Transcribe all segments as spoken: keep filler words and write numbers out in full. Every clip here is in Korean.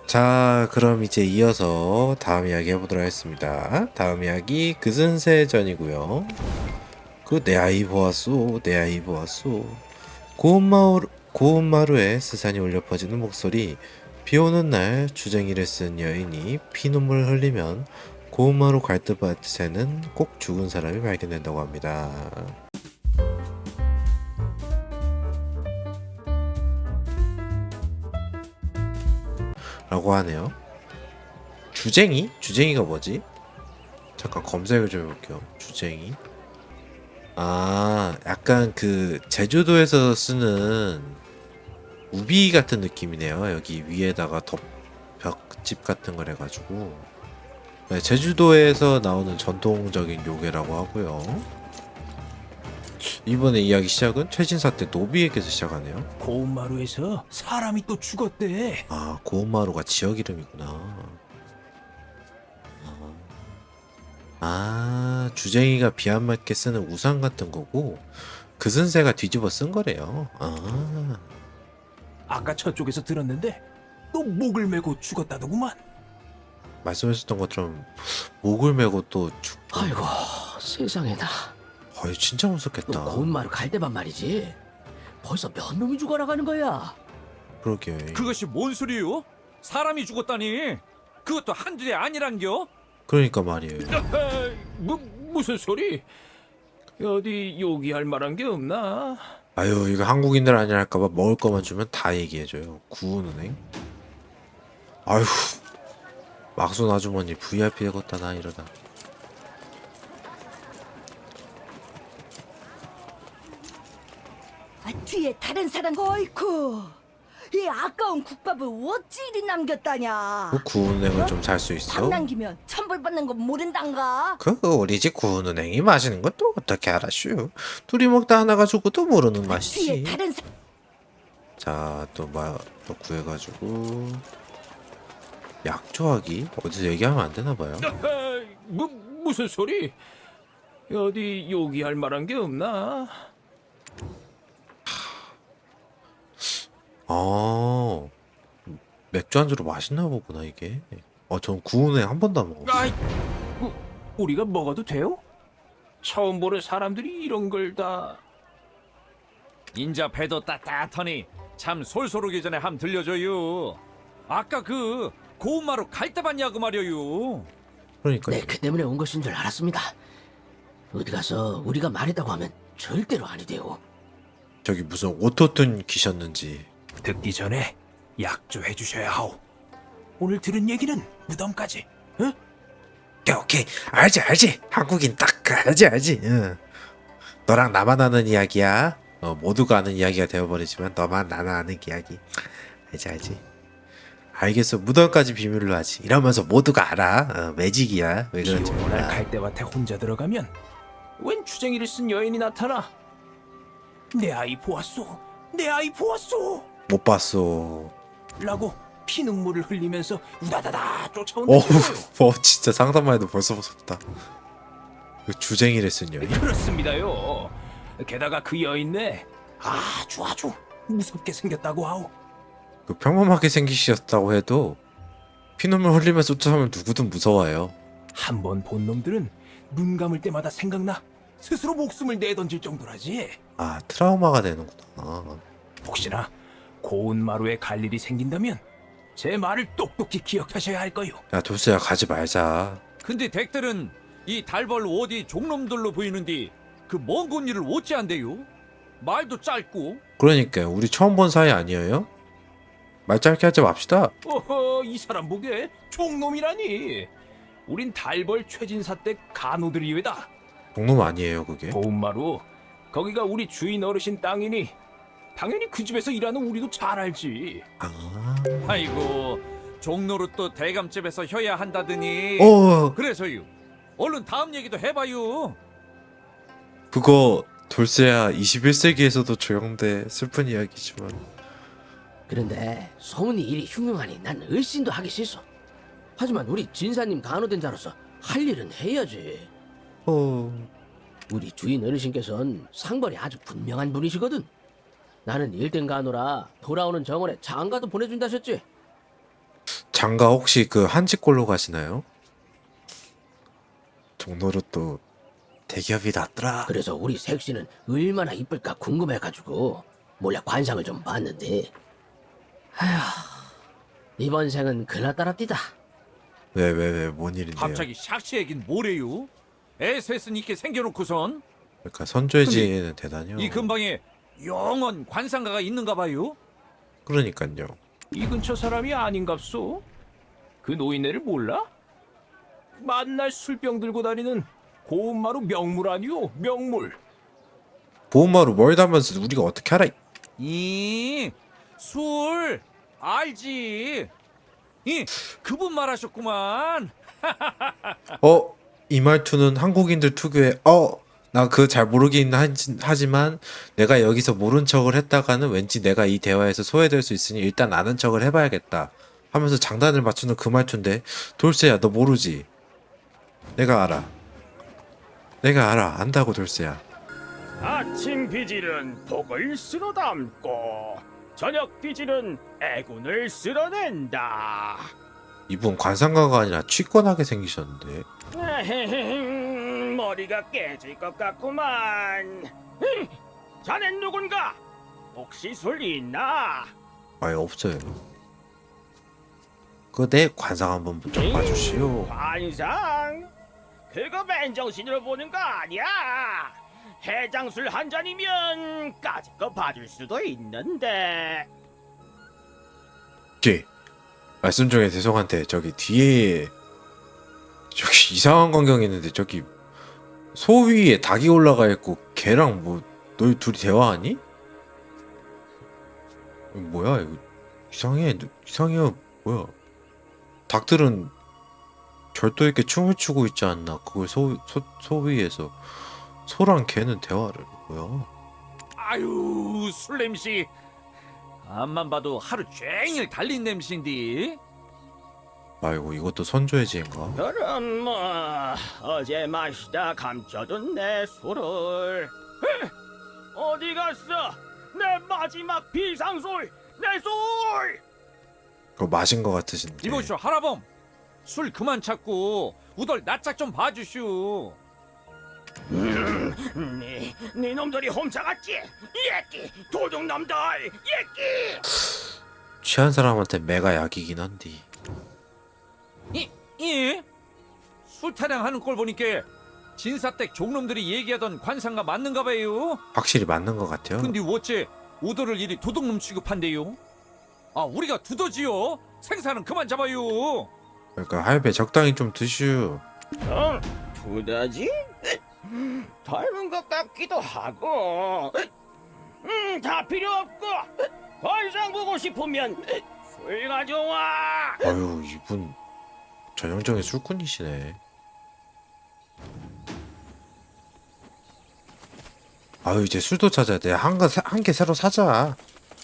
자, 그럼 이제 이어서 다음 이야기 해보도록 하겠습니다. 다음 이야기 그슨세전이고요. 그 내 아이 보았소, 내 아이 보았소. 고운마루, 고운마루에 스산이 울려 퍼지는 목소리. 비오는 날 주쟁이를 쓴 여인이 피눈물을 흘리면 고운마루 갈대밭에는 꼭 죽은 사람이 발견된다고 합니다. 라고 하네요. 주쟁이? 주쟁이가 뭐지? 잠깐 검색을 좀 해볼게요. 주쟁이. 아, 약간 그 제주도에서 쓰는 우비 같은 느낌이네요. 여기 위에다가 덮 벽집 같은 걸 해가지고. 네, 제주도에서 나오는 전통적인 요괴라고 하고요. 이번에 이야기 시작은 최진사 때 노비에게서 시작하네요. 고운마루에서 사람이 또 죽었대. 아, 고운마루가 지역 이름이구나. 아, 아, 주쟁이가 비 안 맞게 쓰는 우산 같은 거고 그슨새가 뒤집어 쓴 거래요. 아, 아까 저쪽에서 들었는데 또 목을 메고 죽었다더구만. 말씀하셨던 것처럼 목을 메고 또 죽고. 아이고 세상에나. 어이, 진짜 너 무섭겠다. 고운마루 갈대밭 말이지. 벌써 몇 놈이 죽어나가는 거야. 그러게. 그것이 뭔 소리요? 사람이 죽었다니. 그것도 한둘이 아니란겨? 그러니까 말이에요. 무, 무슨 소리? 어디 요기할 만한 게 없나? 아유, 이거 한국인들 아니라 할까봐 먹을 거만 주면 다 얘기해줘요. 구운은행. 아유, 막순 아주머니 브이아이피 되겠다 나 이러다. 아, 뒤에 다른 사람 어이쿠 이 아까운 국밥을 어찌 이리 남겼다냐. 그 구운은행을 좀 살 수 있어? 밥 남기면 천벌 받는 거 모른단가. 그 우리 집 구운은행이 맛있는 건 또 어떻게 알았슈? 둘이 먹다 하나가 죽고도 모르는 뒤에 맛이지. 다른 사... 자, 또 뭐 또 구해가지고 약조하기 어디서 얘기하면 안 되나 봐요. 무, 무슨 소리? 어디 요기할 만한 게 없나? 아, 맥주 안주로 맛있나 보구나 이게. 어, 전 구운은행 한 번도 안 먹었어. 아이, 우, 우리가 먹어도 돼요? 처음 보는 사람들이 이런 걸 다... 인자 배도 따뜻하니 참 솔솔 오기 전에 함 들려줘요. 아까 그 고운마루 갈대밭 야구 말이요. 그러니까 네, 그 때문에 온 것인 줄 알았습니다. 어디 가서 우리가 말했다고 하면 절대로 아니대요. 저기 무슨 오토튠 기셨는지. 듣기 전에 약조해 주셔야 하오. 오늘 들은 얘기는 무덤까지. 응? 오케이 오케이 알지 알지. 한국인 딱 알지 알지. 응. 너랑 나만 아는 이야기야. 어, 모두가 아는 이야기가 되어버리지만 너만 나는 아는 이야기. 알지 알지. 알겠어. 무덤까지 비밀로 하지. 이러면서 모두가 알아. 어, 매직이야. 왜 그런지 비오는 날 몰라. 갈대밭에 혼자 들어가면 웬 주쟁이를 쓴 여인이 나타나. 내 아이 보았소. 내 아이 보았소. 못 봤어. 라고 피눈물을 흘리면서 우다다다 어우, 쫓아온다고요. 어, 진짜 상상만 해도 벌써 무섭다. 그 주쟁이를 쓴 여인? 그렇습니다요. 게다가 그 여인네 아주 아주 무섭게 생겼다고 하오. 그 평범하게 생기셨다고 해도 피눈물 흘리면서 쫓아오면 누구든 무서워요. 한 번 본 놈들은 눈 감을 때마다 생각나 스스로 목숨을 내던질 정도라지. 아, 트라우마가 되는구나. 혹시나 고운마루에 갈 일이 생긴다면 제 말을 똑똑히 기억하셔야 할 거요. 야, 돌쇠야 가지 말자. 근데 댁들은 이 달벌 어디 종놈들로 보이는데 그 먼 곳 일을 어찌 한대요? 말도 짧고. 그러니까요. 우리 처음 본 사이 아니에요? 말 짧게 하지 맙시다. 어허, 이 사람 보게 종놈이라니. 우린 달벌 최진사 때 간호들이외다. 동놈 아니에요 그게. 고운마루 거기가 우리 주인 어르신 땅이니 당연히 그 집에서 일하는 우리도 잘 알지. 아, 아이고 종로로 또 대감집에서 혀야 한다더니. 어, 그래서요. 얼른 다음 얘기도 해봐요. 그거 돌쇠야 이십일 세기에서도 적용돼. 슬픈 이야기지만. 그런데 소문이 이리 흉흉하니 난 을신도 하기 싫소. 하지만 우리 진사님 간호된 자로서 할 일은 해야지. 어, 우리 주인 어르신께서는 상벌이 아주 분명한 분이시거든. 나는 일등 간호라 돌아오는 정원에 장가도 보내준다셨지. 장가 혹시 그 한직골로 가시나요? 종로로 또 대기업이 낫더라. 그래서 우리 색시는 얼마나 이쁠까 궁금해가지고 몰래 관상을 좀 봤는데 아휴 이번 생은 그나따랍디다. 왜 왜 왜 뭔 일인데요? 갑자기 샥시 얘긴 뭐래요? 에스에스는 있게 생겨놓고선 그러니까 선조해지는 대단해요. 이 근방에 영원 관상가가 있는가 봐요? 그러니까요. 이 근처 사람이 아닌갑소? 그 노인네를 몰라? 만날 술병 들고 다니는 고운마루 명물 아니오? 명물. 보험마루 멀다면서 우리가 어떻게 알아? 이, 술, 알지. 이, 그분 말하셨구만. 어? 이 말투는 한국인들 특유의 어? 나 그거 잘 모르긴 하지, 하지만 내가 여기서 모른 척을 했다가는 왠지 내가 이 대화에서 소외될 수 있으니 일단 아는 척을 해봐야겠다 하면서 장단을 맞추는 그 말투인데 돌쇠야 너 모르지? 내가 알아. 내가 알아. 안다고 돌쇠야. 아침 비질은 복을 쓸어 담고 저녁 비질은 애군을 쓸어낸다. 이분 관상가가 아니라 취권하게 생기셨는데. 에헤헤, 머리가 깨질 것 같구만. 흠, 자넨 누군가? 혹시 술 있나? 아예 없어요. 그 내 관상 한번 좀 봐주시오. 관상? 그거 맨정신으로 보는 거 아니야. 해장술 한 잔이면 까짓 거 봐줄 수도 있는데. 뒤 말씀 중에 죄송한데 저기 뒤에 저기 이상한 광경이 있는데 저기 소 위에 닭이 올라가 있고 걔랑 뭐 너희 둘이 대화하니? 이거 뭐야 이거 이상해 이상해요 뭐야 닭들은 절도 있게 춤을 추고 있지 않나 그걸 소, 소, 소 위에서 소랑 걔는 대화를 뭐야 아유, 술 냄새. 앞만 봐도 하루 종일 달린 냄새인데. 아이고 이것도 선조해지인가? 그럼 뭐 어제 마시다 감춰둔 내 술을 에? 어디 갔어? 내 마지막 비상술 내 술! 그거 마신 것 같으신데 이보시오, 하라범. 술 그만 찾고 우덜 낯짝 좀 봐주시오. 네, 네 놈들이 훔쳐갔지? 예끼 도둑놈들 예끼! 취한 사람한테 매가 약이긴 한디 이, 이? 술 타령하는 꼴 보니까 진사댁 종놈들이 얘기하던 관상가 맞는가 봐요. 확실히 맞는 것 같아요. 근데 어째 우도를 이리 도둑놈 취급한대요? 아, 우리가 두더지요? 생사는 그만 잡아요. 그러니까 할배 적당히 좀 드슈. 어? 두더지? 닮은 것 같기도 하고 음, 다 필요 없고 관상 보고 싶으면 술 가져와. 아유 이분 전형적인 술꾼이시네. 아유 이제 술도 찾아야 돼. 한개 개 새로 사자.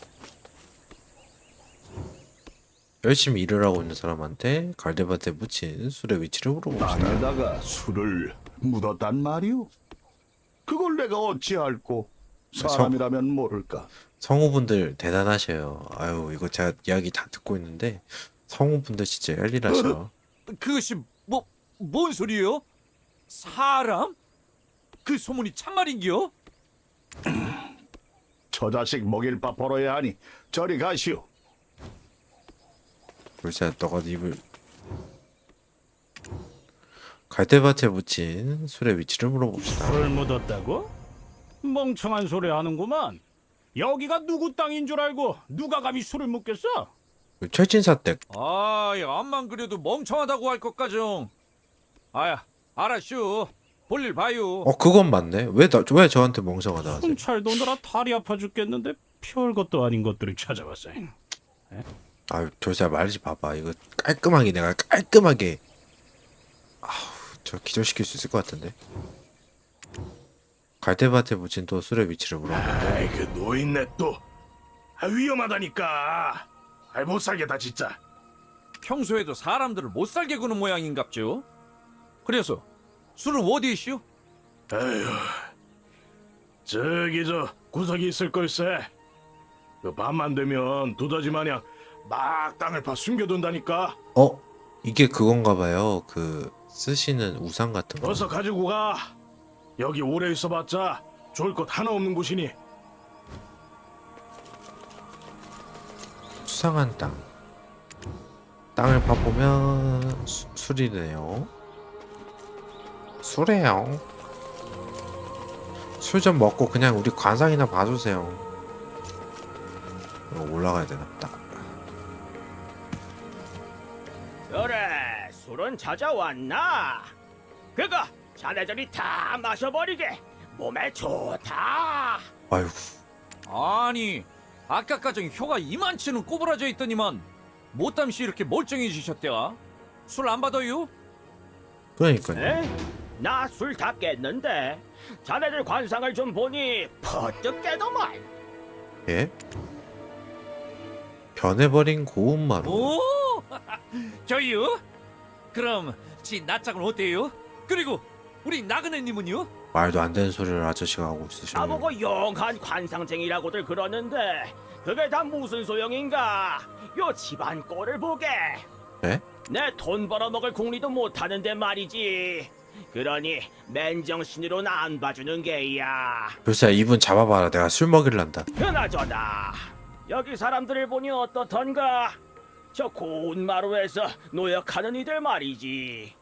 열심히 일을 하고 있는 사람한테 갈대밭에 묻힌 술의 위치를 물어봅시다. 땅에다가 술을 묻었단 말이오? 그걸 내가 어찌 알고 사람이라면 모를까? 성우분들 대단하셔요. 아유 이거 제가 이야기 다 듣고 있는데 성우분들 진짜 열일하셔. 그것이 뭐, 뭔 소리예요? 사람? 그 소문이 참말인겨? 저 자식 먹일 밥 벌어야 하니 저리 가시오. 글쎄 너가 입을 갈대밭에 묻힌 술의 위치를 물어봅시다. 술 묻었다고? 멍청한 소리 하는구만. 여기가 누구 땅인 줄 알고 누가 감히 술을 묻겠어? 철진사 댁. 아, 야, 암만 그래도 멍청하다고 할 것까정. 아야, 알았슈. 볼일 봐요. 어 그건 맞네. 왜 나 왜 저한테 멍청하다 하세요? 순찰 도느라 다리 아파 죽겠는데 별것도 아닌 것들을 찾아왔어. 아유 돌쇠 말지 봐봐. 이거 깔끔하게 내가 깔끔하게 아우 저 기절시킬 수 있을 것 같은데. 갈대밭에 묻힌 또 술의 위치를 물어보는데 아이 그 노인네 또 아, 위험하다니까. 아이 못 살겠다 진짜. 평소에도 사람들을 못 살게 구는 모양인갑죠. 그래서 술은 어디 있슈? 에휴 저기 저 구석이 있을 걸세. 그 밤만 되면 두더지 마냥 막 땅을 파 숨겨둔다니까. 어? 이게 그건가 봐요. 그 쓰시는 우산 같은 거. 어서 가지고 가. 여기 오래 있어봤자 좋을 것 하나 없는 곳이니. 수상한 땅. 땅을 파보면 수, 술이네요. 술이에요. 술 좀 먹고 그냥 우리 관상이나 봐주세요. 이거 올라가야 되나 보다. 그래, 술은 찾아왔나? 그거 자네들이 다 마셔버리게. 몸에 좋다. 아이고. 아니 아까까진 혀가 이만치는 꼬부라져 있더니만 못담시 이렇게 멀쩡해지셨대와. 술 안 받아요? 그러니까요. 에? 나 술 다 깼는데 자네들 관상을 좀 보니 퍼뜩 깨더만. 예? 변해버린 고운마루. 오, 저요? 그럼 지 낯짝은 어때요? 그리고 우리 나그네님은요? 말도 안 되는 소리를 아저씨가 하고 있으시네요. 나보고 용한 관상쟁이라고들 그러는데 그게 다 무슨 소용인가? 요 집안 꼴을 보게. 예? 내 돈 벌어먹을 궁리도 못하는데 말이지. 그러니 맨정신으로는 안 봐주는 게야. 글쎄 이분 잡아봐라. 내가 술 먹일란다. 그나저나 여기 사람들을 보니 어떻던가? 저 고운 마루에서 노역하는 이들 말이지.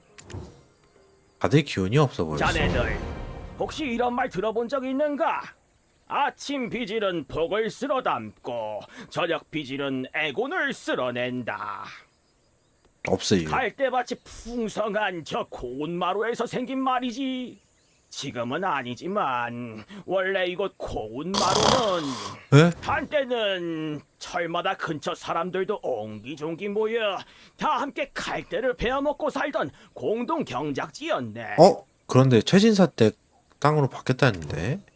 다들 기운이 없어 보였어. 자네들 혹시 이런 말 들어본 적 있는가? 아침 비질은 복을 쓸어 담고 저녁 비질은 애곤을 쓸어낸다. 없어요. 갈대밭이 풍성한 저 고운 마루에서 생긴 말이지. 지금은 아니지만 원래 이곳 고운 마루는 에? 한때는 철마다 근처 사람들도 옹기종기 모여 다 함께 갈대를 베어먹고 살던 공동 경작지였네. 어? 그런데 최진사 때 땅으로 바뀌었다는데?